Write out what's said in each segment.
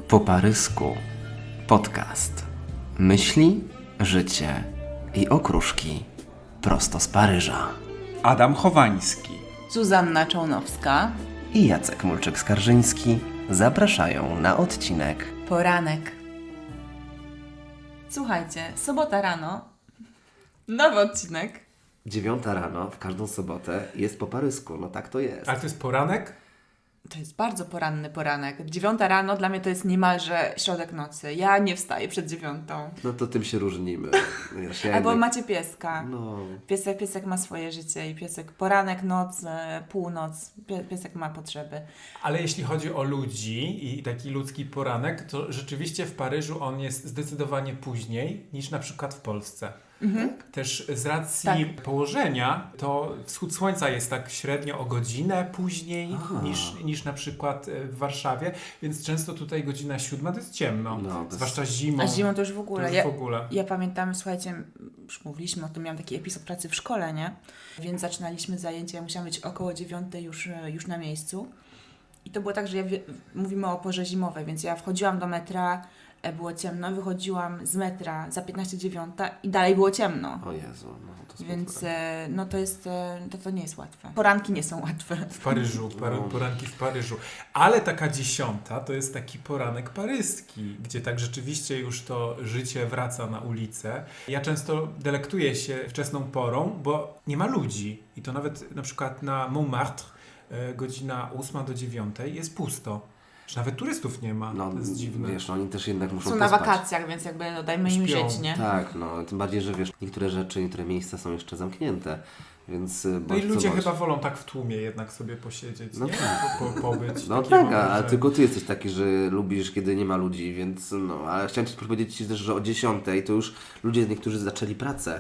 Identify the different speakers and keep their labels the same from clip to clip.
Speaker 1: Po parysku. Podcast. Myśli, życie i okruszki prosto z Paryża.
Speaker 2: Adam Chowański.
Speaker 3: Zuzanna Czołnowska.
Speaker 1: I Jacek Mulczyk-Skarżyński zapraszają na odcinek
Speaker 3: Poranek. Słuchajcie, sobota rano. Nowy odcinek.
Speaker 1: 9 rano w każdą sobotę jest po parysku. No tak to jest.
Speaker 2: Ale to jest poranek?
Speaker 3: To jest bardzo poranny poranek. 9 rano dla mnie to jest niemalże środek nocy. Ja nie wstaję przed 9.
Speaker 1: No to tym się różnimy. Wiesz, ja
Speaker 3: Albo
Speaker 1: jednak-
Speaker 3: macie pieska.
Speaker 1: No,
Speaker 3: Piesek ma swoje życie i piesek poranek, noc, północ. Piesek ma potrzeby.
Speaker 2: Ale jeśli chodzi o ludzi i taki ludzki poranek, to rzeczywiście w Paryżu on jest zdecydowanie później niż na przykład w Polsce. Też z racji położenia, to wschód słońca jest tak średnio o godzinę później niż na przykład w Warszawie, więc często tutaj godzina 7 to jest ciemno,
Speaker 1: No, to jest-
Speaker 2: zwłaszcza zimą.
Speaker 3: A zimą to już w ogóle.
Speaker 2: To już w ogóle.
Speaker 3: Ja pamiętam, słuchajcie, już mówiliśmy o tym, miałam taki epizod pracy w szkole, nie? Więc zaczynaliśmy zajęcia, ja musiałam być około 9 już na miejscu. I to było tak, że mówimy o porze zimowej, więc ja wchodziłam do metra, było ciemno, wychodziłam z metra za 15:09 i dalej było ciemno.
Speaker 1: o Jezu, no to smutne.
Speaker 3: Więc no to jest, to nie jest łatwe. Poranki nie są łatwe.
Speaker 2: W Paryżu, poranki w Paryżu. Ale taka 10 to jest taki poranek paryski, gdzie tak rzeczywiście już to życie wraca na ulicę. Ja często delektuję się wczesną porą, bo nie ma ludzi. I to nawet na przykład na Montmartre godzina 8 do 9 jest pusto. Że nawet turystów nie ma.
Speaker 1: No,
Speaker 2: To jest dziwne.
Speaker 1: wiesz, oni też jednak muszą
Speaker 3: Są na
Speaker 1: pospać.
Speaker 3: wakacjach, więc jakby no, dajmy im
Speaker 2: Śpią.
Speaker 3: żyć, nie?
Speaker 1: Tak, no, tym bardziej, że wiesz, niektóre miejsca są jeszcze zamknięte, więc...
Speaker 2: No i ludzie chyba wolą tak w tłumie jednak sobie posiedzieć,
Speaker 1: No
Speaker 2: nie?
Speaker 1: tak.
Speaker 2: Pobyć.
Speaker 1: No
Speaker 2: Takie
Speaker 1: tak,
Speaker 2: mam
Speaker 1: a
Speaker 2: wrażenie.
Speaker 1: tylko ty jesteś taki, że lubisz, kiedy nie ma ludzi, więc no, ale chciałem Ci powiedzieć też, że o 10 to już ludzie niektórzy zaczęli pracę.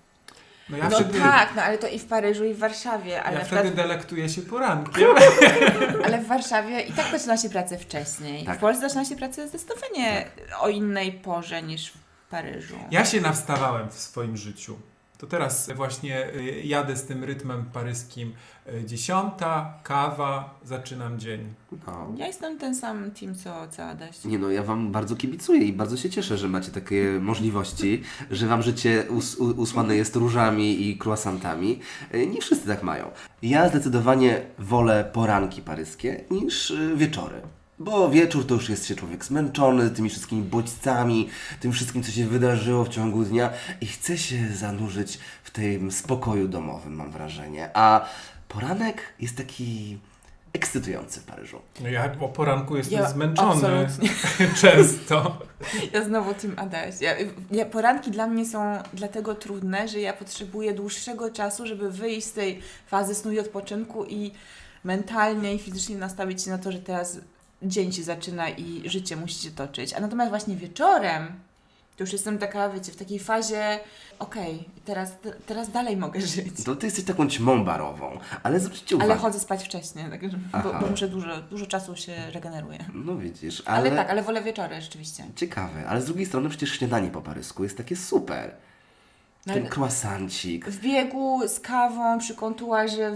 Speaker 2: No ja
Speaker 3: No
Speaker 2: wtedy,
Speaker 3: tak, no ale to i w Paryżu, i w Warszawie, ale,
Speaker 2: ja
Speaker 3: na przykład,
Speaker 2: wtedy delektuję się porankiem.
Speaker 3: ale w Warszawie i tak zaczyna się pracę wcześniej.
Speaker 1: Tak.
Speaker 3: W Polsce zaczyna się pracę zdecydowanie o innej porze niż w Paryżu.
Speaker 2: Ja się nawstawałem w swoim życiu. To teraz właśnie jadę z tym rytmem paryskim. 10, kawa, zaczynam dzień.
Speaker 1: No.
Speaker 3: Ja jestem ten sam team, co Adaś.
Speaker 1: Nie no, ja Wam bardzo kibicuję i bardzo się cieszę, że macie takie możliwości, że Wam życie usłane jest różami i croissantami. Nie wszyscy tak mają. Ja zdecydowanie wolę poranki paryskie niż wieczory. Bo wieczór to już jest się człowiek zmęczony tymi wszystkimi bodźcami, tym wszystkim, co się wydarzyło w ciągu dnia i chce się zanurzyć w tym spokoju domowym, mam wrażenie. A poranek jest taki ekscytujący w Paryżu.
Speaker 2: No ja o poranku jestem
Speaker 3: Ja
Speaker 2: zmęczony
Speaker 3: absolutnie.
Speaker 2: często.
Speaker 3: Ja znowu team Adaś. Poranki dla mnie są dlatego trudne, że ja potrzebuję dłuższego czasu, żeby wyjść z tej fazy snu i odpoczynku i mentalnie i fizycznie nastawić się na to, że teraz dzień się zaczyna i życie musi się toczyć. A natomiast właśnie wieczorem to już jestem taka, wiecie, w takiej fazie okej, teraz dalej mogę żyć.
Speaker 1: To ty jesteś taką ćmą barową, ale zwróćcie uwagę.
Speaker 3: Ale chodzę spać wcześniej, tak, bo muszę dużo czasu się regeneruje.
Speaker 1: No widzisz,
Speaker 3: Ale wolę wieczory rzeczywiście.
Speaker 1: Ciekawe, ale z drugiej strony przecież śniadanie po parysku jest takie super.
Speaker 3: No,
Speaker 1: Ten croissancik.
Speaker 3: w biegu z kawą przy kontuarze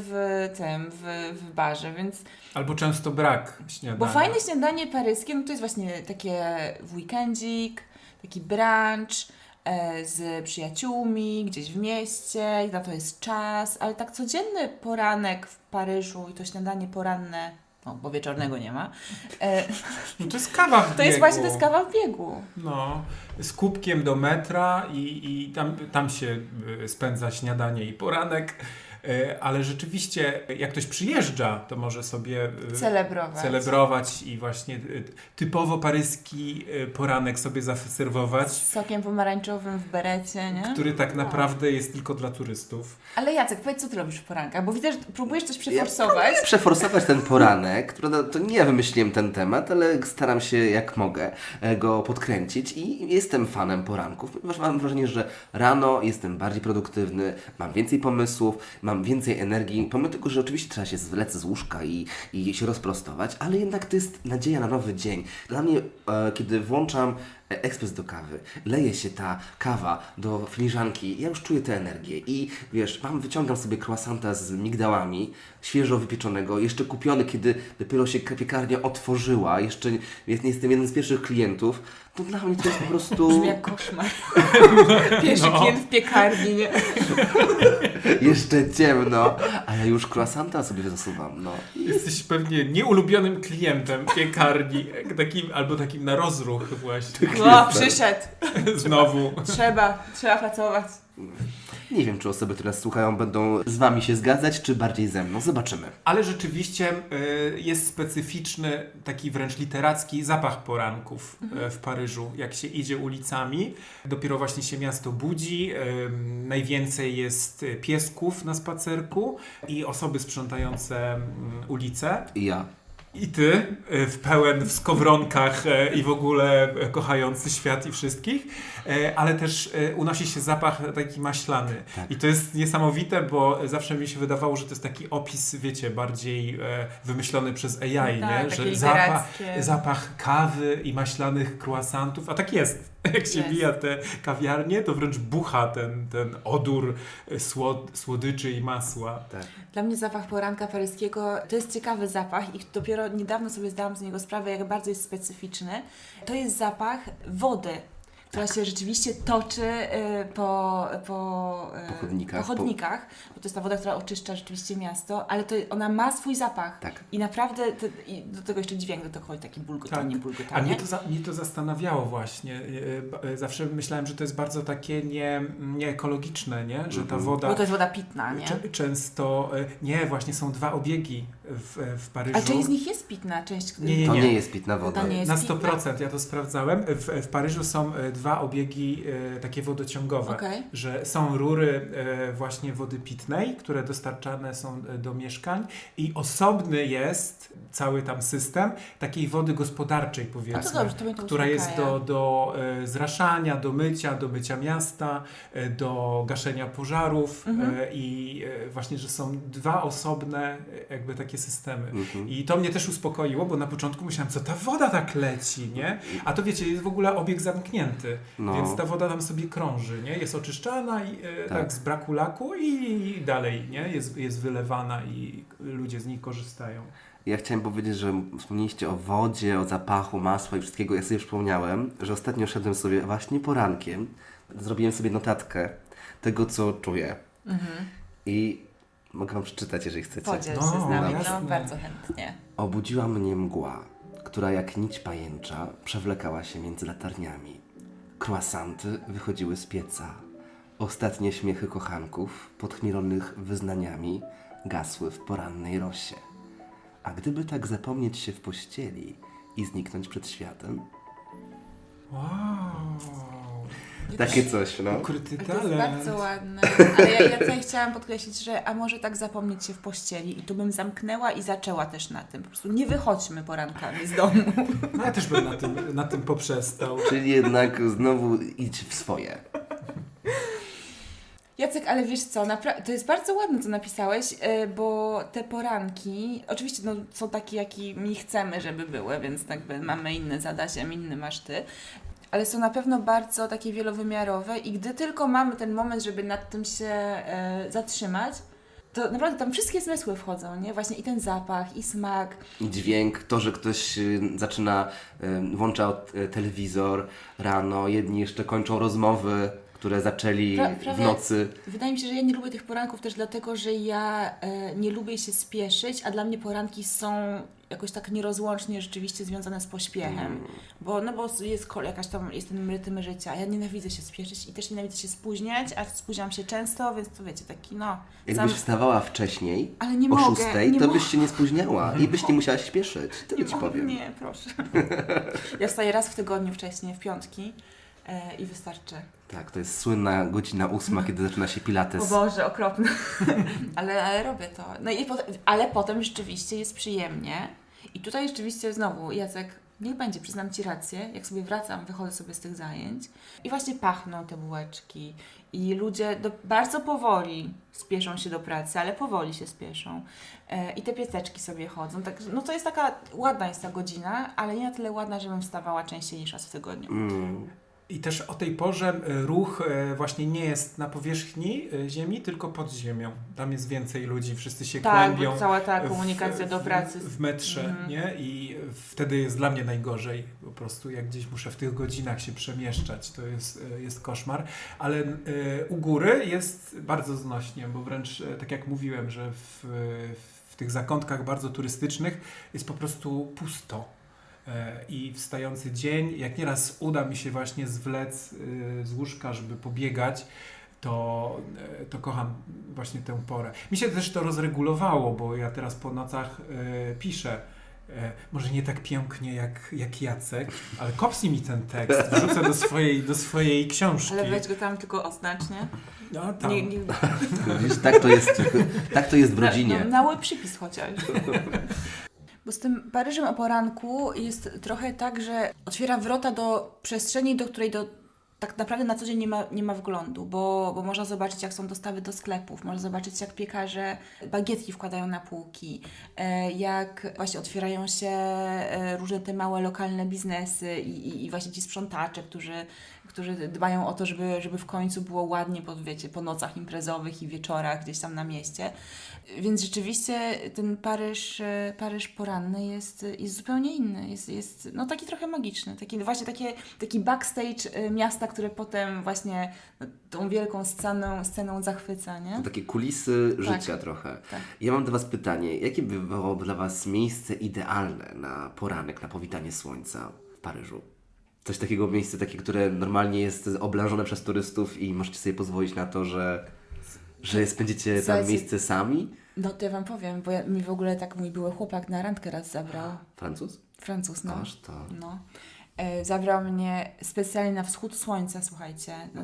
Speaker 3: w barze, więc...
Speaker 2: Albo często brak śniadania.
Speaker 3: Bo fajne śniadanie paryskie, no to jest właśnie takie w weekendzik, taki brunch z przyjaciółmi, gdzieś w mieście, i na to jest czas, ale tak codzienny poranek w Paryżu i to śniadanie poranne, no bo wieczornego nie ma,
Speaker 2: No to jest kawa w biegu.
Speaker 3: to jest właśnie kawa w biegu.
Speaker 2: No, z kubkiem do metra i tam się spędza śniadanie i poranek. Ale rzeczywiście, jak ktoś przyjeżdża, to może sobie celebrować i właśnie typowo paryski poranek sobie zaserwować,
Speaker 3: Z sokiem pomarańczowym w berecie, nie?
Speaker 2: który tak naprawdę jest tylko dla turystów.
Speaker 3: Ale Jacek, powiedz, co ty robisz w poranka? Bo widzę, że próbujesz coś
Speaker 1: Ja
Speaker 3: przeforsować.
Speaker 1: próbuję przeforsować ten poranek. Prawda, to nie ja wymyśliłem ten temat, ale staram się jak mogę go podkręcić i jestem fanem poranków, ponieważ mam wrażenie, że rano jestem bardziej produktywny, mam więcej pomysłów, mam więcej energii, pomimo tego, że oczywiście trzeba się zwlec z łóżka i się rozprostować, ale jednak to jest nadzieja na nowy dzień. Dla mnie, kiedy włączam ekspres do kawy, leje się ta kawa do filiżanki, ja już czuję tę energię i wiesz, wyciągam sobie croissanta z migdałami, świeżo wypieczonego, jeszcze kupiony, kiedy dopiero się piekarnia otworzyła, jeszcze jestem jeden z pierwszych klientów, to dla mnie to jest po prostu...
Speaker 3: Brzmi jak koszmar. Pierwszy klient w piekarni, nie?
Speaker 1: Jeszcze ciemno, a ja już croissanta sobie zasuwam, no.
Speaker 2: Jesteś pewnie nieulubionym klientem piekarni, albo takim na rozruch właśnie.
Speaker 3: O, przyszedł.
Speaker 2: Znowu.
Speaker 3: Trzeba pracować.
Speaker 1: Nie wiem, czy osoby, które nas słuchają, będą z Wami się zgadzać, czy bardziej ze mną. Zobaczymy.
Speaker 2: Ale rzeczywiście jest specyficzny, taki wręcz literacki zapach poranków w Paryżu, jak się idzie ulicami. Dopiero właśnie się miasto budzi, najwięcej jest piesków na spacerku i osoby sprzątające ulice.
Speaker 1: I ja.
Speaker 2: I ty, w skowronkach i w ogóle kochający świat i wszystkich, ale też unosi się zapach taki maślany.
Speaker 1: Tak.
Speaker 2: I to jest niesamowite, bo zawsze mi się wydawało, że to jest taki opis, wiecie, bardziej wymyślony przez AI,
Speaker 3: Tak,
Speaker 2: nie?
Speaker 3: takie
Speaker 2: Że
Speaker 3: literackie.
Speaker 2: zapach kawy i maślanych croissantów, a tak jest. Jak się
Speaker 3: Jest.
Speaker 2: bija te kawiarnie, to wręcz bucha ten odór słodyczy i masła.
Speaker 1: Tak.
Speaker 3: Dla mnie zapach poranka paryskiego to jest ciekawy zapach i dopiero niedawno sobie zdałam z niego sprawę, jak bardzo jest specyficzny. To jest zapach wody, która się rzeczywiście toczy po chodnikach, bo to jest ta woda, która oczyszcza rzeczywiście miasto, ale ona ma swój zapach.
Speaker 1: Tak.
Speaker 3: I naprawdę, i do tego jeszcze dźwięk, do tego chodzi taki bulgotanie,
Speaker 2: Tak.
Speaker 3: bulgotanie.
Speaker 2: A mnie to zastanawiało właśnie. Zawsze myślałem, że to jest bardzo takie nieekologiczne, nie? Że ta woda...
Speaker 3: Bo to jest woda pitna, nie?
Speaker 2: Często... Nie, właśnie są 2 obiegi w Paryżu.
Speaker 3: A część z nich jest pitna, część...
Speaker 2: Nie.
Speaker 1: To nie jest pitna woda.
Speaker 3: To nie jest
Speaker 2: Na
Speaker 3: pitna.
Speaker 2: 100%, ja to sprawdzałem. W Paryżu są 2 obiegi takie wodociągowe,
Speaker 3: Okej.
Speaker 2: że są rury właśnie wody pitnej, które dostarczane są do mieszkań i osobny jest cały tam system takiej wody gospodarczej, powiedzmy,
Speaker 3: No to dobrze, to mnie to
Speaker 2: która jest
Speaker 3: uspokaja.
Speaker 2: do zraszania, do mycia miasta, do gaszenia pożarów i właśnie, że są 2 osobne jakby takie systemy. I to mnie też uspokoiło, bo na początku myślałem, co ta woda tak leci, nie? A to wiecie, jest w ogóle obieg zamknięty,
Speaker 1: No.
Speaker 2: więc ta woda tam sobie krąży, nie? Jest oczyszczana i tak z braku laku i dalej, nie? Jest wylewana i ludzie z niej korzystają.
Speaker 1: Ja chciałem powiedzieć, że wspomnieliście o wodzie, o zapachu, masła i wszystkiego. Ja sobie przypomniałem, że ostatnio szedłem sobie właśnie porankiem, zrobiłem sobie notatkę tego, co czuję. I mogę Wam przeczytać, jeżeli chcecie.
Speaker 3: Podziel się
Speaker 2: No,
Speaker 3: z nami,
Speaker 2: jasne.
Speaker 3: no bardzo chętnie.
Speaker 1: Obudziła mnie mgła, która jak nić pajęcza przewlekała się między latarniami. Croissanty wychodziły z pieca. Ostatnie śmiechy kochanków, podchmielonych wyznaniami, gasły w porannej rosie. A gdyby tak zapomnieć się w pościeli i zniknąć przed światem?
Speaker 2: Wow!
Speaker 1: Takie coś, no.
Speaker 2: Ukryty
Speaker 3: To jest
Speaker 2: talent.
Speaker 3: bardzo ładne, ale ja tutaj chciałam podkreślić, że a może tak zapomnieć się w pościeli i tu bym zamknęła i zaczęła też na tym. Po prostu nie wychodźmy porankami z domu.
Speaker 2: No ja też bym na tym poprzestał.
Speaker 1: Czyli jednak znowu idź w swoje.
Speaker 3: Jacek, ale wiesz co, to jest bardzo ładne, co napisałeś, bo te poranki, oczywiście no, są takie, jakimi chcemy, żeby były, więc jakby mamy inne zadania, inny masz ty, ale są na pewno bardzo takie wielowymiarowe i gdy tylko mamy ten moment, żeby nad tym się zatrzymać, to naprawdę tam wszystkie zmysły wchodzą, nie? Właśnie i ten zapach, i smak.
Speaker 1: I dźwięk, to, że ktoś włącza telewizor rano, jedni jeszcze kończą rozmowy, które zaczęli w nocy.
Speaker 3: Wydaje mi się, że ja nie lubię tych poranków też dlatego, że ja nie lubię się spieszyć, a dla mnie poranki są jakoś tak nierozłącznie rzeczywiście związane z pośpiechem. Bo jest ten rytm życia. Ja nienawidzę się spieszyć i też nienawidzę się spóźniać, a spóźniam się często, więc to wiecie, taki
Speaker 1: Jakbyś wstawała wcześniej,
Speaker 3: Ale nie
Speaker 1: o
Speaker 3: mogę,
Speaker 1: 6:00,
Speaker 3: nie
Speaker 1: to
Speaker 3: mogę.
Speaker 1: byś się nie spóźniała i byś nie musiała się spieszyć. Tyle ci powiem.
Speaker 3: Nie, proszę. Ja wstaję raz w tygodniu wcześniej, w piątki i wystarczy.
Speaker 1: Tak, to jest słynna godzina 8:00, kiedy zaczyna się pilates.
Speaker 3: O Boże, okropne. ale robię to. No i ale potem rzeczywiście jest przyjemnie. I tutaj rzeczywiście znowu, Jacek, Niech będzie, przyznam Ci rację. Jak sobie wracam, wychodzę sobie z tych zajęć i właśnie pachną te bułeczki i ludzie bardzo powoli spieszą się do pracy, ale powoli się spieszą. I te piececzki sobie chodzą. Tak, no to jest taka, ładna jest ta godzina, ale nie na tyle ładna, żebym wstawała częściej niż raz w tygodniu.
Speaker 2: I też o tej porze ruch właśnie nie jest na powierzchni ziemi, tylko pod ziemią. Tam jest więcej ludzi, wszyscy się
Speaker 3: Tak,
Speaker 2: kłębią.
Speaker 3: bo cała ta komunikacja do pracy.
Speaker 2: W metrze, nie? I wtedy jest dla mnie najgorzej. Po prostu jak gdzieś muszę w tych godzinach się przemieszczać, to jest koszmar. Ale u góry jest bardzo znośnie, bo wręcz tak jak mówiłem, że w tych zakątkach bardzo turystycznych jest po prostu pusto. I wstający dzień, jak nieraz uda mi się właśnie zwlec z łóżka, żeby pobiegać, to kocham właśnie tę porę. Mi się też to rozregulowało, bo ja teraz po nocach piszę. Może nie tak pięknie jak Jacek, ale kopsnij mi ten tekst, wrzucę do swojej książki.
Speaker 3: Ale weź go tam tylko oznacz, nie?
Speaker 2: No, tam.
Speaker 1: Widzisz, tak to jest w rodzinie.
Speaker 3: Na łeb przypis chociaż. Bo z tym Paryżem o poranku jest trochę tak, że otwiera wrota do przestrzeni, do której tak naprawdę na co dzień nie ma wglądu, bo można zobaczyć, jak są dostawy do sklepów, można zobaczyć, jak piekarze bagietki wkładają na półki, jak właśnie otwierają się różne te małe lokalne biznesy i właśnie ci sprzątacze, którzy dbają o to, żeby w końcu było ładnie po nocach imprezowych i wieczorach gdzieś tam na mieście. Więc rzeczywiście ten Paryż poranny jest zupełnie inny. Jest no, taki trochę magiczny. Taki backstage miasta, które potem właśnie tą wielką sceną zachwyca, nie?
Speaker 1: To takie kulisy życia trochę.
Speaker 3: Tak.
Speaker 1: Ja mam do Was pytanie. Jakie by było dla Was miejsce idealne na poranek, na powitanie słońca w Paryżu? Coś takiego, miejsce takie, które normalnie jest oblężone przez turystów i możecie sobie pozwolić na to, że spędzicie tam miejsce sami?
Speaker 3: No to ja Wam powiem, bo mi w ogóle tak mój były chłopak na randkę raz zabrał. Francuz, no.
Speaker 1: Aż to.
Speaker 3: No. Zabrał mnie specjalnie na wschód słońca, słuchajcie. No,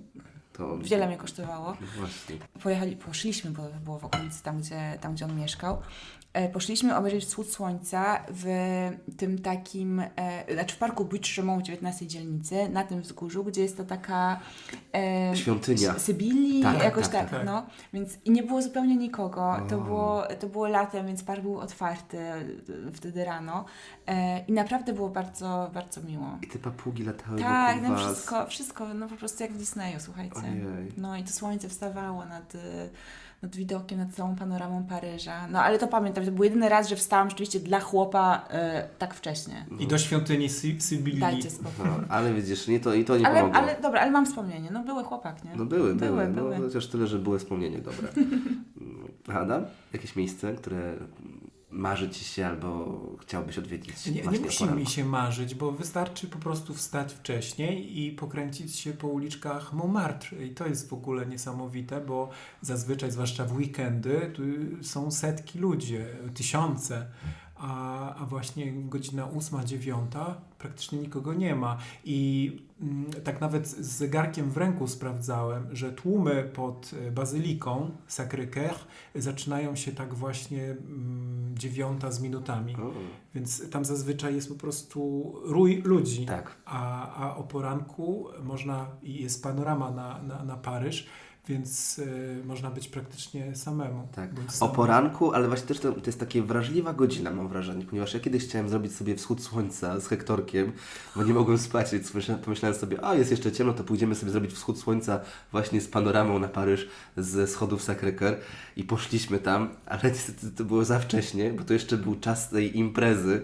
Speaker 3: to wiele mnie kosztowało.
Speaker 1: No właśnie.
Speaker 3: Poszliśmy, bo to było w okolicy tam, gdzie on mieszkał. Poszliśmy obejrzeć wschód słońca w tym takim, w parku Butte-Chaumont w 19 dzielnicy, na tym wzgórzu, gdzie jest to taka
Speaker 1: świątynia
Speaker 3: Sybilii,
Speaker 1: tak,
Speaker 3: jakoś
Speaker 2: tak.
Speaker 3: no. Więc i nie było zupełnie nikogo. To było latem, więc park był otwarty wtedy rano. I naprawdę było bardzo, bardzo miło.
Speaker 1: I te papugi latały
Speaker 3: Tak,
Speaker 1: wokół
Speaker 3: no
Speaker 1: was.
Speaker 3: wszystko, no po prostu jak w Disneyu, słuchajcie.
Speaker 1: Ojej.
Speaker 3: No i to słońce wstawało nad widokiem, nad całą panoramą Paryża. No ale to pamiętam, to był jedyny raz, że wstałam rzeczywiście dla chłopa tak wcześnie.
Speaker 2: I do świątyni Sybilii.
Speaker 3: Dajcie spokój.
Speaker 1: No, ale widzisz, nie pomogło.
Speaker 3: Ale mam wspomnienie. No były chłopak, nie?
Speaker 1: No były.
Speaker 3: Były.
Speaker 1: No, chociaż tyle, że były wspomnienie dobre. Adam? Jakieś miejsce, które marzy Ci się albo chciałbyś odwiedzić?
Speaker 2: Nie musi mi się marzyć, bo wystarczy po prostu wstać wcześniej i pokręcić się po uliczkach Montmartre. I to jest w ogóle niesamowite, bo zazwyczaj, zwłaszcza w weekendy, tu są setki ludzi, tysiące. A właśnie godzina 8, 9 praktycznie nikogo nie ma. I tak nawet z zegarkiem w ręku sprawdzałem, że tłumy pod Bazyliką Sacré-Cœur zaczynają się tak właśnie 9 z minutami. Więc tam zazwyczaj jest po prostu rój ludzi.
Speaker 1: Tak.
Speaker 2: A o poranku jest panorama na Paryż, więc można być praktycznie samemu.
Speaker 1: Tak, o poranku, ale właśnie też to jest takie wrażliwa godzina, mam wrażenie, ponieważ ja kiedyś chciałem zrobić sobie wschód słońca z Hektorkiem, bo nie mogłem spać, więc pomyślałem sobie, jest jeszcze ciemno, to pójdziemy sobie zrobić wschód słońca właśnie z panoramą na Paryż ze schodów Sacré-Cœur i poszliśmy tam, ale niestety to było za wcześnie, bo to jeszcze był czas tej imprezy,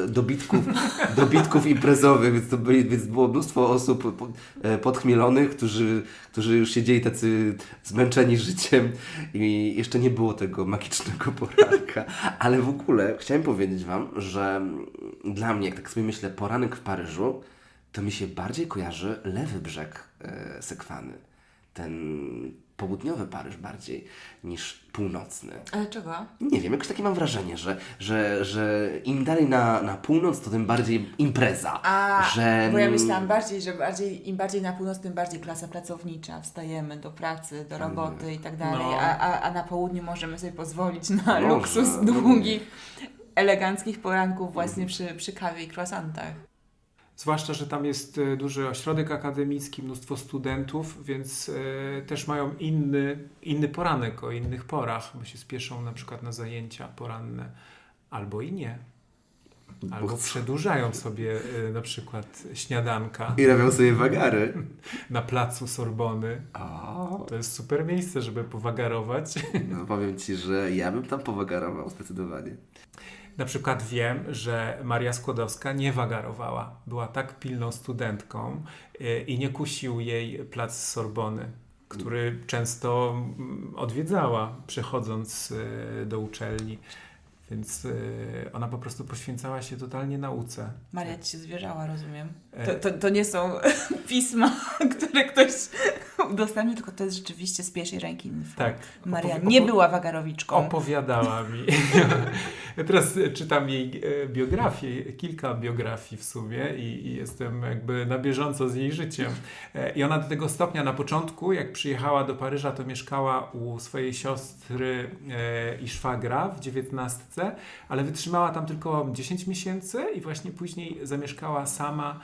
Speaker 1: dobitków imprezowych, więc było mnóstwo osób podchmielonych, którzy już siedzieli tacy zmęczeni życiem i jeszcze nie było tego magicznego poranka. Ale w ogóle chciałem powiedzieć Wam, że dla mnie, jak tak sobie myślę, poranek w Paryżu, to mi się bardziej kojarzy lewy brzeg Sekwany. Ten południowy Paryż bardziej niż północny.
Speaker 3: Ale czego?
Speaker 1: Nie wiem, jakoś takie mam wrażenie, że im dalej na północ, to tym bardziej impreza.
Speaker 3: Bo ja myślałam im bardziej na północ, tym bardziej klasa pracownicza. Wstajemy do pracy, do roboty i tak dalej, a na południu możemy sobie pozwolić na luksus długi. eleganckich poranków właśnie przy kawie i croissantach.
Speaker 2: Zwłaszcza, że tam jest duży ośrodek akademicki, mnóstwo studentów, więc też mają inny poranek o innych porach, bo się spieszą na przykład na zajęcia poranne, albo i nie. Albo przedłużają sobie na przykład śniadanka
Speaker 1: I robią sobie wagary.
Speaker 2: na placu Sorbony.
Speaker 1: O,
Speaker 2: To jest super miejsce, żeby powagarować.
Speaker 1: no powiem Ci, że ja bym tam powagarował zdecydowanie.
Speaker 2: Na przykład wiem, że Maria Skłodowska nie wagarowała. Była tak pilną studentką i nie kusił jej plac Sorbony, który często odwiedzała, przechodząc do uczelni. Więc ona po prostu poświęcała się totalnie nauce.
Speaker 3: Maria ci się zwierzała, rozumiem. To nie są pisma, które ktoś udostępnił, tylko to jest rzeczywiście z pierwszej ręki info.
Speaker 2: Tak.
Speaker 3: Maria nie była wagarowiczką.
Speaker 2: Opowiadała mi. Ja teraz czytam jej biografię, kilka biografii w sumie i jestem jakby na bieżąco z jej życiem. I ona do tego stopnia na początku, jak przyjechała do Paryża, to mieszkała u swojej siostry i szwagra w 19, ale wytrzymała tam tylko 10 miesięcy i właśnie później zamieszkała sama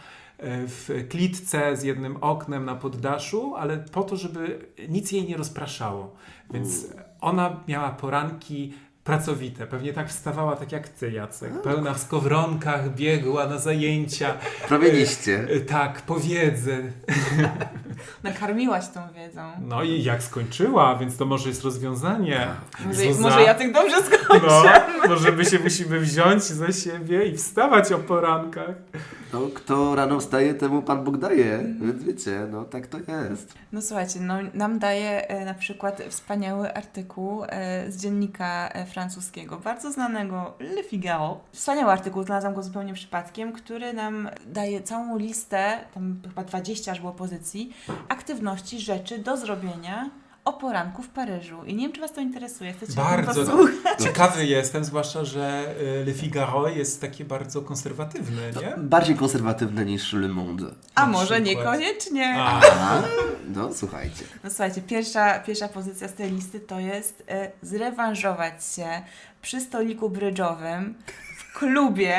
Speaker 2: w klitce z jednym oknem na poddaszu, ale po to, żeby nic jej nie rozpraszało. Więc ona miała poranki pracowite. Pewnie tak wstawała, tak jak ty, Jacek. Pełna w skowronkach, biegła na zajęcia.
Speaker 1: Promieniście.
Speaker 2: Tak, po wiedzę.
Speaker 3: Nakarmiłaś tą wiedzą.
Speaker 2: No i jak skończyła, więc to może jest rozwiązanie.
Speaker 3: Może ja tak dobrze skończę.
Speaker 2: No, może my się musimy wziąć za siebie i wstawać o porankach.
Speaker 1: No, kto rano wstaje, temu Pan Bóg daje. Więc wiecie, no tak to jest.
Speaker 3: No słuchajcie, nam daje na przykład wspaniały artykuł z dziennika francuskiego, bardzo znanego Le Figaro. Wspaniały artykuł, znalazłam go zupełnie przypadkiem, który nam daje całą listę, tam chyba 20 aż było pozycji, aktywności, rzeczy do zrobienia o poranku w Paryżu. I nie wiem, czy Was to interesuje. Chcecie o tym
Speaker 2: Bardzo
Speaker 3: posłuchać?
Speaker 2: ciekawy jestem, zwłaszcza, że Le Figaro jest takie bardzo konserwatywne, nie?
Speaker 1: Bardziej konserwatywne niż Le Monde.
Speaker 3: A
Speaker 2: Na
Speaker 3: może
Speaker 2: przykład.
Speaker 3: niekoniecznie.
Speaker 2: A,
Speaker 1: No słuchajcie.
Speaker 3: No słuchajcie, pierwsza pozycja z tej listy to jest zrewanżować się przy stoliku brydżowym, w klubie,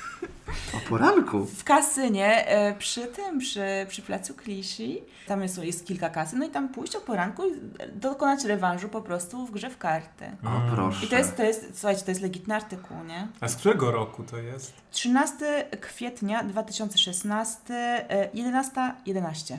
Speaker 1: O poranku.
Speaker 3: w kasynie, przy placu Clichy. Tam jest kilka kasyn, no i tam pójść o poranku i dokonać rewanżu po prostu w grze w karty.
Speaker 1: O proszę.
Speaker 3: I to jest, słuchajcie, to jest legitny artykuł, nie?
Speaker 2: a z którego roku to jest?
Speaker 3: 13 kwietnia 2016, 11:11.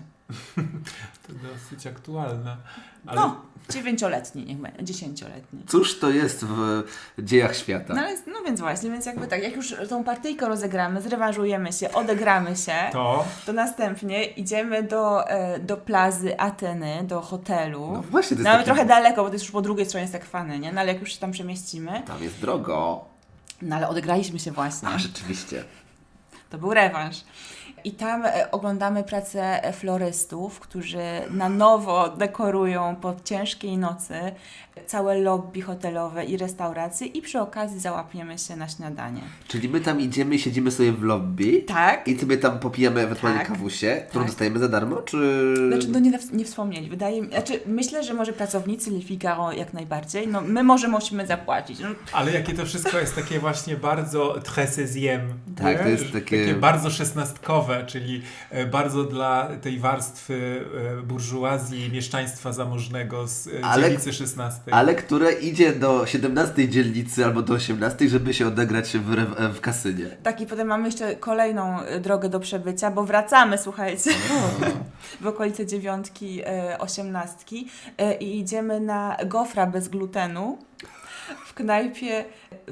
Speaker 2: To dosyć aktualne. Ale
Speaker 3: No, 9-letni, niech będzie, 10-letni.
Speaker 1: Cóż to jest w dziejach świata?
Speaker 3: No więc właśnie, więc jakby tak, jak już tą partyjkę rozegramy, zrewanżujemy się, odegramy się, to następnie idziemy do plazy Ateny, do hotelu.
Speaker 1: No właśnie, to jest
Speaker 3: No ale
Speaker 1: taki-
Speaker 3: trochę daleko, bo to jest już po drugiej stronie Sekwany, nie? No ale jak już się tam przemieścimy,
Speaker 1: Tam jest drogo.
Speaker 3: no ale odegraliśmy się właśnie.
Speaker 1: A rzeczywiście.
Speaker 3: To był rewanż. I tam oglądamy pracę florystów, którzy na nowo dekorują po ciężkiej nocy całe lobby hotelowe i restauracje i przy okazji załapiemy się na śniadanie.
Speaker 1: Czyli my tam idziemy i siedzimy sobie w lobby.
Speaker 3: Tak.
Speaker 1: I sobie tam popijamy ewentualnie
Speaker 3: Tak.
Speaker 1: kawusię, którą
Speaker 3: Tak.
Speaker 1: dostajemy za darmo, czy...
Speaker 3: Znaczy, no nie wspomnieli. Wydaje mi, myślę, że może pracownicy Le Figaro jak najbardziej. No my musimy zapłacić. No,
Speaker 2: Ale jakie to wszystko jest takie właśnie bardzo treizième.
Speaker 1: Tak,
Speaker 2: nie?
Speaker 1: to jest
Speaker 2: Że
Speaker 1: takie-
Speaker 2: bardzo szesnastkowe, czyli bardzo dla tej warstwy burżuazji, mieszczaństwa zamożnego z dzielnicy 16.
Speaker 1: Ale które idzie do 17 dzielnicy albo do 18, żeby się odegrać w kasynie.
Speaker 3: tak, i potem mamy jeszcze kolejną drogę do przebycia, bo wracamy, słuchajcie, w okolice 9, 18 i idziemy na gofra bez glutenu w knajpie,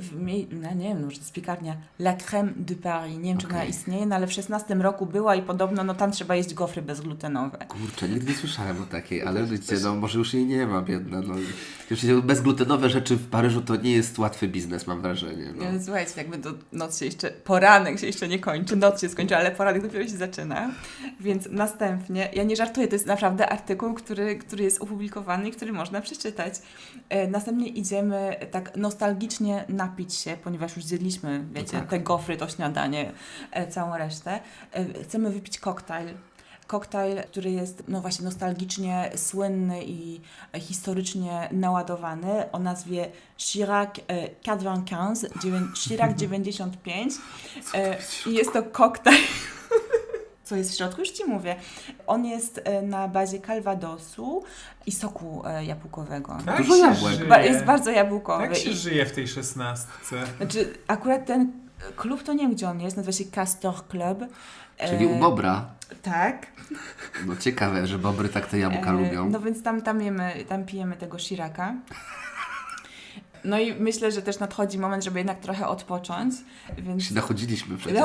Speaker 3: no nie wiem, może to jest piekarnia La Crème de Paris. Nie wiem, czy ona
Speaker 1: Okej.
Speaker 3: istnieje, no ale w 16 roku była i podobno no tam trzeba jeść gofry bezglutenowe.
Speaker 1: Kurczę, nigdy nie słyszałem o takiej, ale wiecie, no może już jej nie ma, biedna. No. Już bezglutenowe rzeczy w Paryżu to nie jest łatwy biznes, mam wrażenie. No.
Speaker 3: Ale słuchajcie, jakby poranek się jeszcze nie kończy, noc się skończy, ale poranek dopiero się zaczyna. Więc następnie, ja nie żartuję, to jest naprawdę artykuł, który jest opublikowany i który można przeczytać. Następnie idziemy tak nostalgicznie napić się, ponieważ już zjedliśmy, wiecie,
Speaker 1: tak.
Speaker 3: te gofry, to śniadanie, całą resztę. Chcemy wypić koktajl. koktajl, który jest no właśnie nostalgicznie słynny i historycznie naładowany o nazwie Chirac 95, Chirac 95 i jest to koktajl. Co jest w środku? Już Ci mówię. On jest na bazie kalwadosu i soku jabłkowego.
Speaker 2: Tak
Speaker 1: Dużo
Speaker 2: się
Speaker 1: jabłek.
Speaker 2: żyje.
Speaker 3: Jest bardzo jabłkowy.
Speaker 2: Tak się
Speaker 3: I-
Speaker 2: żyje w tej 16.
Speaker 3: Znaczy, akurat ten klub to nie wiem, gdzie on jest, nazywa się Castor Club.
Speaker 1: Czyli u Bobra.
Speaker 3: Tak.
Speaker 1: No ciekawe, że Bobry tak te jabłka lubią.
Speaker 3: No więc tam pijemy tego Chiraca. No i myślę, że też nadchodzi moment, żeby jednak trochę odpocząć, więc
Speaker 1: Się nachodziliśmy przecież.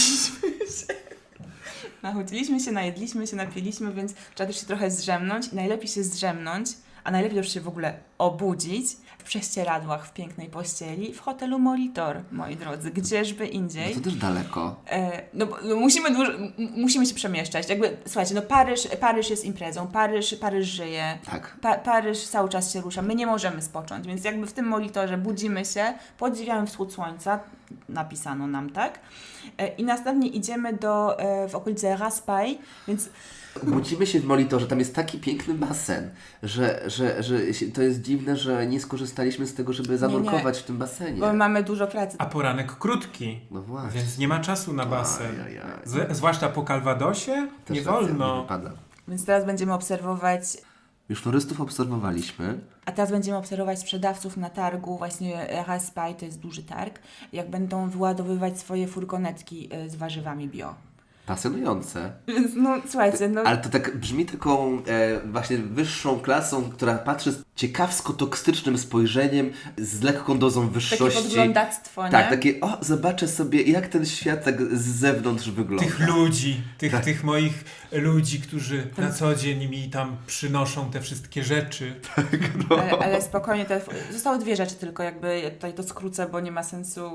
Speaker 3: Nachodziliśmy się, najedliśmy się, napiliśmy, więc trzeba też się trochę zdrzemnąć i najlepiej się zdrzemnąć, a najlepiej już się w ogóle obudzić w prześcieradłach w pięknej pościeli w hotelu Molitor, moi drodzy, gdzieżby indziej.
Speaker 1: No to też daleko.
Speaker 3: No, musimy się przemieszczać. Jakby, słuchajcie, no Paryż jest imprezą, Paryż żyje,
Speaker 1: Tak.
Speaker 3: Paryż cały czas się rusza, my nie możemy spocząć, więc jakby w tym Molitorze budzimy się, podziwiamy wschód słońca, napisano nam, tak? I następnie idziemy w okolice Raspail, więc
Speaker 1: Budzimy się w Molitorze, tam jest taki piękny basen, że to jest dziwne, że nie skorzystaliśmy z tego, żeby zanurkować w tym basenie.
Speaker 3: bo mamy dużo pracy.
Speaker 2: A poranek krótki,
Speaker 1: No właśnie.
Speaker 2: więc nie ma czasu na basen.
Speaker 1: Ajajaj.
Speaker 2: Zwłaszcza po Calvadosie
Speaker 1: Też
Speaker 2: nie
Speaker 1: racja, nie
Speaker 2: wolno.
Speaker 1: wypada.
Speaker 3: Więc teraz będziemy obserwować,
Speaker 1: Już florystów obserwowaliśmy.
Speaker 3: sprzedawców na targu, właśnie Raspail, to jest duży targ, jak będą wyładowywać swoje furgonetki z warzywami bio.
Speaker 1: Pasjonujące.
Speaker 3: Więc no, słuchajcie, no...
Speaker 1: Ale to tak brzmi taką właśnie wyższą klasą, która patrzy z ciekawsko-toksycznym spojrzeniem, z lekką dozą
Speaker 3: Takie
Speaker 1: wyższości.
Speaker 3: podglądactwo, nie?
Speaker 1: Tak, takie, zobaczę sobie, jak ten świat tak z zewnątrz wygląda.
Speaker 2: Tych ludzi,
Speaker 1: Tak.
Speaker 2: tych moich ludzi, którzy na co dzień mi tam przynoszą te wszystkie rzeczy.
Speaker 3: Ale spokojnie, zostały dwie rzeczy tylko, jakby tutaj to skrócę, bo nie ma sensu...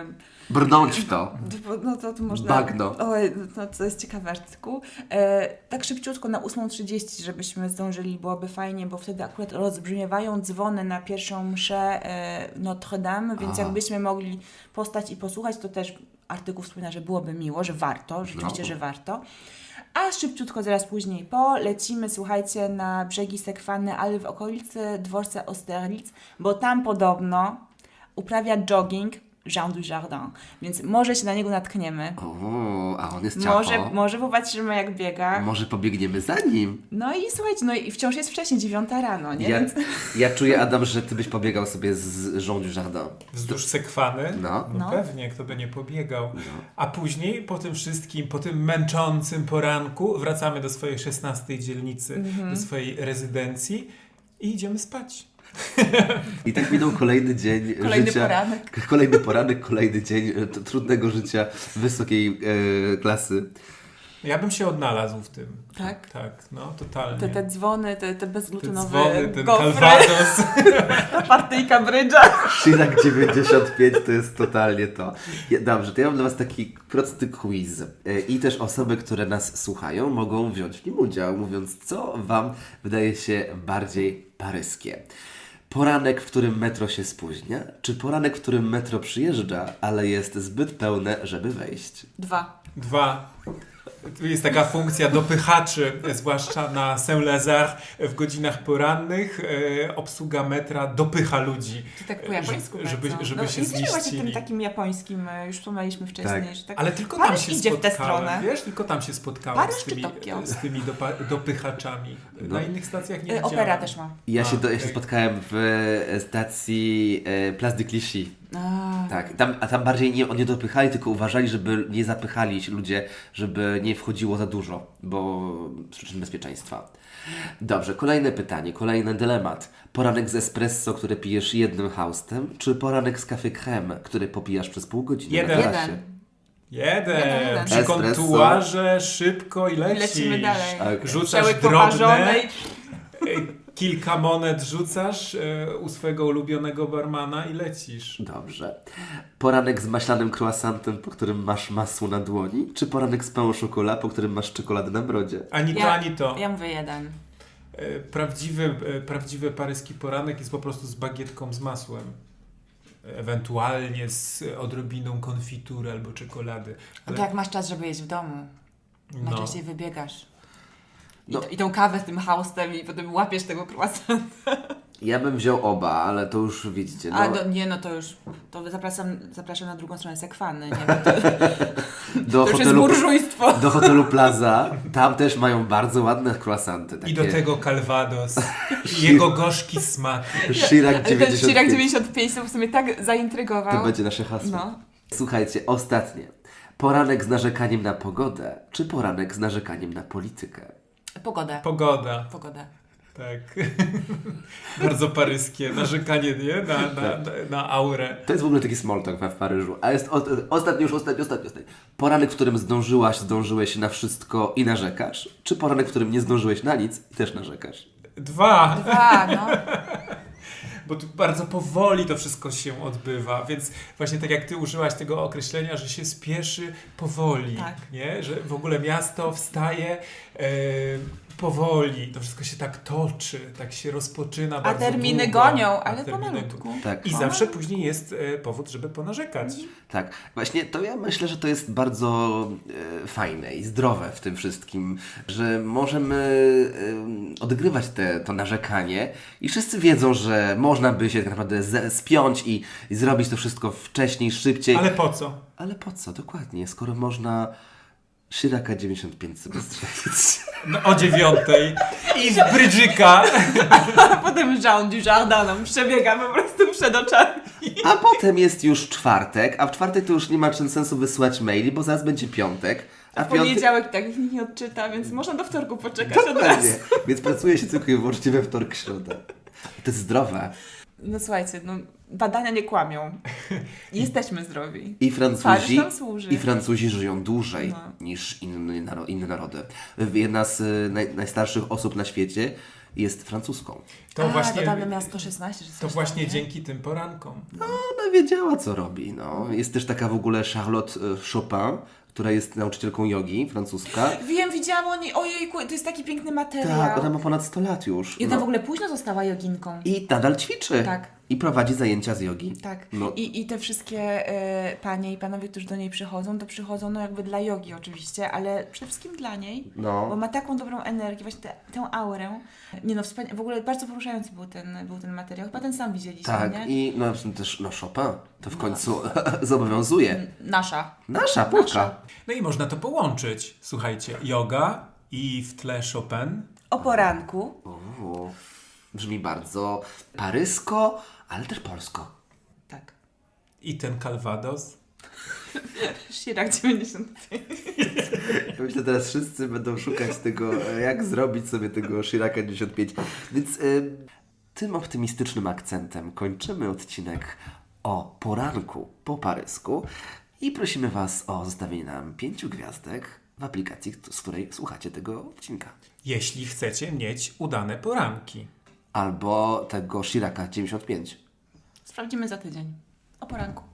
Speaker 1: Brnąć w to.
Speaker 3: No to można...
Speaker 1: Bagno.
Speaker 3: Oj, no to jest ciekawy artykuł. Tak szybciutko na 8:30, żebyśmy zdążyli, byłoby fajnie, bo wtedy akurat rozbrzmiewają dzwony na pierwszą mszę Notre Dame, więc
Speaker 1: Aha.
Speaker 3: jakbyśmy mogli postać i posłuchać, to też artykuł wspomina, że byłoby miło, że warto, rzeczywiście,
Speaker 1: No.
Speaker 3: że warto. A szybciutko, zaraz później lecimy, słuchajcie, na brzegi Sekwany, ale w okolicy dworca Austerlitz, bo tam podobno uprawia jogging Jean Dujardin, więc może się na niego natkniemy.
Speaker 1: O, a on jest ciacho.
Speaker 3: Może popatrzymy, jak biega.
Speaker 1: Może pobiegniemy za nim.
Speaker 3: No i słuchajcie, no i wciąż jest wcześniej, 9 rano, nie? Więc
Speaker 1: Ja czuję, Adam, że ty byś pobiegał sobie z Jean Dujardin.
Speaker 2: Wzdłuż Sekwany.
Speaker 1: No.
Speaker 3: No.
Speaker 2: Pewnie, kto by nie pobiegał. A później, po tym wszystkim, po tym męczącym poranku, wracamy do swojej 16 dzielnicy, do swojej rezydencji i idziemy spać.
Speaker 1: I tak minął kolejny dzień
Speaker 3: Kolejny
Speaker 1: życia.
Speaker 3: poranek.
Speaker 1: Kolejny poranek, kolejny dzień trudnego życia wysokiej klasy.
Speaker 2: Ja bym się odnalazł w tym.
Speaker 3: Tak?
Speaker 2: Tak, no totalnie.
Speaker 3: Te dzwony, te
Speaker 2: Te
Speaker 3: bezgluteноwe
Speaker 2: dzwony, ten
Speaker 3: gofry,
Speaker 2: Calvados.
Speaker 3: ta partyjka brydża.
Speaker 1: Chirac 95 to jest totalnie to. Dobrze, to ja mam dla Was taki prosty quiz. I też osoby, które nas słuchają, mogą wziąć w nim udział, mówiąc, co Wam wydaje się bardziej paryskie. Poranek, w którym metro się spóźnia, czy poranek, w którym metro przyjeżdża, ale jest zbyt pełne, żeby wejść?
Speaker 3: 2.
Speaker 2: 2. Tu jest taka funkcja dopychaczy, zwłaszcza na Saint-Lazare w godzinach porannych. Obsługa metra dopycha ludzi.
Speaker 3: Czy tak po japońsku
Speaker 2: żeby
Speaker 3: bardzo.
Speaker 2: się
Speaker 3: Jesteśmy właśnie
Speaker 2: zmieścili.
Speaker 3: tym takim japońskim, już wspomnieliśmy wcześniej,
Speaker 1: Tak.
Speaker 3: że tak...
Speaker 2: Ale tylko
Speaker 3: Paryż
Speaker 2: tam się
Speaker 3: idzie w tę
Speaker 2: spotkałem,
Speaker 3: stronę.
Speaker 2: wiesz? Tylko tam się spotkałem
Speaker 3: Paryż
Speaker 2: z
Speaker 3: czy
Speaker 2: tymi,
Speaker 3: Tokio?
Speaker 2: z tymi dopychaczami. Na innych stacjach nie widziałem.
Speaker 3: Opera też ma.
Speaker 1: Ja się
Speaker 2: okej.
Speaker 1: spotkałem w stacji Place de Clichy.
Speaker 3: A,
Speaker 1: Tak, tam bardziej nie dopychali, tylko uważali, żeby nie zapychali się ludzie, żeby nie wchodziło za dużo, bo z przyczyn bezpieczeństwa. Dobrze, kolejne pytanie, kolejny dylemat. Poranek z espresso, który pijesz jednym haustem, czy poranek z café crème, który popijasz przez pół godziny
Speaker 2: Jeden.
Speaker 1: na trasie?
Speaker 2: Jeden. Przy
Speaker 1: Espresso.
Speaker 2: kontuarze szybko i
Speaker 3: i
Speaker 2: lecisz.
Speaker 3: lecimy dalej.
Speaker 1: Okay.
Speaker 2: Rzucasz
Speaker 3: Przełyk
Speaker 2: drobne,
Speaker 3: poparzonej.
Speaker 2: kilka monet rzucasz u swojego ulubionego barmana i lecisz.
Speaker 1: Dobrze. Poranek z maślanym croissantem, po którym masz masło na dłoni, czy poranek z pain au chocolat, po którym masz czekoladę na brodzie?
Speaker 2: Ani to, ani to.
Speaker 3: Ja mówię 1.
Speaker 2: Prawdziwy paryski poranek jest po prostu z bagietką z masłem. Ewentualnie z odrobiną konfitury albo czekolady.
Speaker 3: To jak masz czas, żeby jeść w domu.
Speaker 2: no,
Speaker 3: Najczęściej wybiegasz.
Speaker 1: No.
Speaker 3: I tą kawę z tym haustem i potem łapiesz tego croissant.
Speaker 1: Ja bym wziął oba, ale to już widzicie. No,
Speaker 3: Nie, to już, to zapraszam na drugą stronę Sekwany, nie
Speaker 1: do
Speaker 3: to już jest burżujstwo.
Speaker 1: Do hotelu Plaza. Tam też mają bardzo ładne croissanty. Takie
Speaker 2: I do tego Calvados. I jego gorzki smak.
Speaker 1: Chirac
Speaker 3: Ale ten
Speaker 1: 95.
Speaker 3: Chirac 95 to w sumie tak zaintrygował.
Speaker 1: To będzie nasze hasło.
Speaker 3: No.
Speaker 1: Słuchajcie, ostatnie. Poranek z narzekaniem na pogodę, czy poranek z narzekaniem na politykę?
Speaker 3: Pogoda.
Speaker 2: Pogoda.
Speaker 3: Pogoda.
Speaker 2: Tak. Bardzo paryskie. Narzekanie, nie? Na aurę.
Speaker 1: To jest w ogóle taki small talk w Paryżu. A jest ostatni. Poranek, w którym zdążyłeś na wszystko i narzekasz? Czy poranek, w którym nie zdążyłeś na nic i też narzekasz?
Speaker 2: Dwa.
Speaker 3: No.
Speaker 2: Bo tu bardzo powoli to wszystko się odbywa, więc właśnie tak jak ty użyłaś tego określenia, że się spieszy powoli,
Speaker 3: Tak.
Speaker 2: nie? Że w ogóle miasto wstaje powoli, to wszystko się tak toczy, tak się rozpoczyna
Speaker 3: A
Speaker 2: bardzo
Speaker 3: terminy
Speaker 2: długo.
Speaker 3: gonią,
Speaker 2: A
Speaker 3: ale
Speaker 2: terminy
Speaker 3: pomalutku.
Speaker 1: Tak.
Speaker 2: I zawsze później jest powód, żeby ponarzekać.
Speaker 1: Tak, właśnie to ja myślę, że to jest bardzo fajne i zdrowe w tym wszystkim, że możemy odgrywać to narzekanie i wszyscy wiedzą, że można by się tak naprawdę spiąć i zrobić to wszystko wcześniej, szybciej.
Speaker 2: Ale po co?
Speaker 1: Ale po co? Dokładnie, skoro można Chiraca 95 sobie strzelić.
Speaker 2: No, o 9:00 i w brydżyka.
Speaker 3: A potem Jean Dujardin nam przebiega po prostu przed oczami.
Speaker 1: A potem jest już czwartek, a w czwartek to już nie ma sensu wysyłać maili, bo zaraz będzie piątek. A
Speaker 3: W poniedziałek tak nikt nie odczyta, więc można do wtorku poczekać od razu.
Speaker 1: Dokładnie. Więc pracuje się tylko i wyłącznie we wtorek, środę. To jest zdrowe.
Speaker 3: No słuchajcie, badania nie kłamią. Jesteśmy zdrowi.
Speaker 1: I
Speaker 3: Paryż nam służy.
Speaker 1: Francuzi żyją dłużej
Speaker 3: No.
Speaker 1: niż inne narody. Jedna z najstarszych osób na świecie jest francuską.
Speaker 2: To właśnie,
Speaker 3: dodamy miasto 16, czy coś
Speaker 2: to właśnie
Speaker 3: tam, nie?
Speaker 2: dzięki tym porankom.
Speaker 1: Ona wiedziała, co robi. No. Jest też taka w ogóle Charlotte Chopin, która jest nauczycielką jogi, francuska.
Speaker 3: Wiem, widziałam o niej, ojejku, to jest taki piękny materiał.
Speaker 1: Tak, ona ma ponad 100 lat już.
Speaker 3: I ona
Speaker 1: No.
Speaker 3: w ogóle późno została joginką.
Speaker 1: I nadal ćwiczy.
Speaker 3: Tak.
Speaker 1: I prowadzi zajęcia z jogi.
Speaker 3: Tak.
Speaker 1: No.
Speaker 3: I te wszystkie panie i panowie, którzy do niej przychodzą, to przychodzą no jakby dla jogi oczywiście, ale przede wszystkim dla niej,
Speaker 1: No.
Speaker 3: bo ma taką dobrą energię, właśnie tę aurę. Nie no, w ogóle bardzo poruszający był ten materiał. Chyba ten sam widzieliśmy,
Speaker 1: Tak,
Speaker 3: nie?
Speaker 1: i no też Chopin to w końcu zobowiązuje.
Speaker 3: Nasza.
Speaker 1: Nasza Polka.
Speaker 3: Nasza.
Speaker 2: No i można to połączyć. Słuchajcie, yoga i w tle Chopin.
Speaker 3: O poranku.
Speaker 1: O, brzmi bardzo parysko, ale też polsko.
Speaker 3: Tak.
Speaker 2: I ten Calvados.
Speaker 3: Chirac 95.
Speaker 1: Ja myślę, teraz wszyscy będą szukać tego, jak zrobić sobie tego Chiraca 95. Więc tym optymistycznym akcentem kończymy odcinek o poranku po parysku i prosimy Was o zostawienie nam 5 gwiazdek w aplikacji, z której słuchacie tego odcinka.
Speaker 2: Jeśli chcecie mieć udane poranki.
Speaker 1: Albo tego Chiraca 95.
Speaker 3: Sprawdzimy za tydzień. O poranku.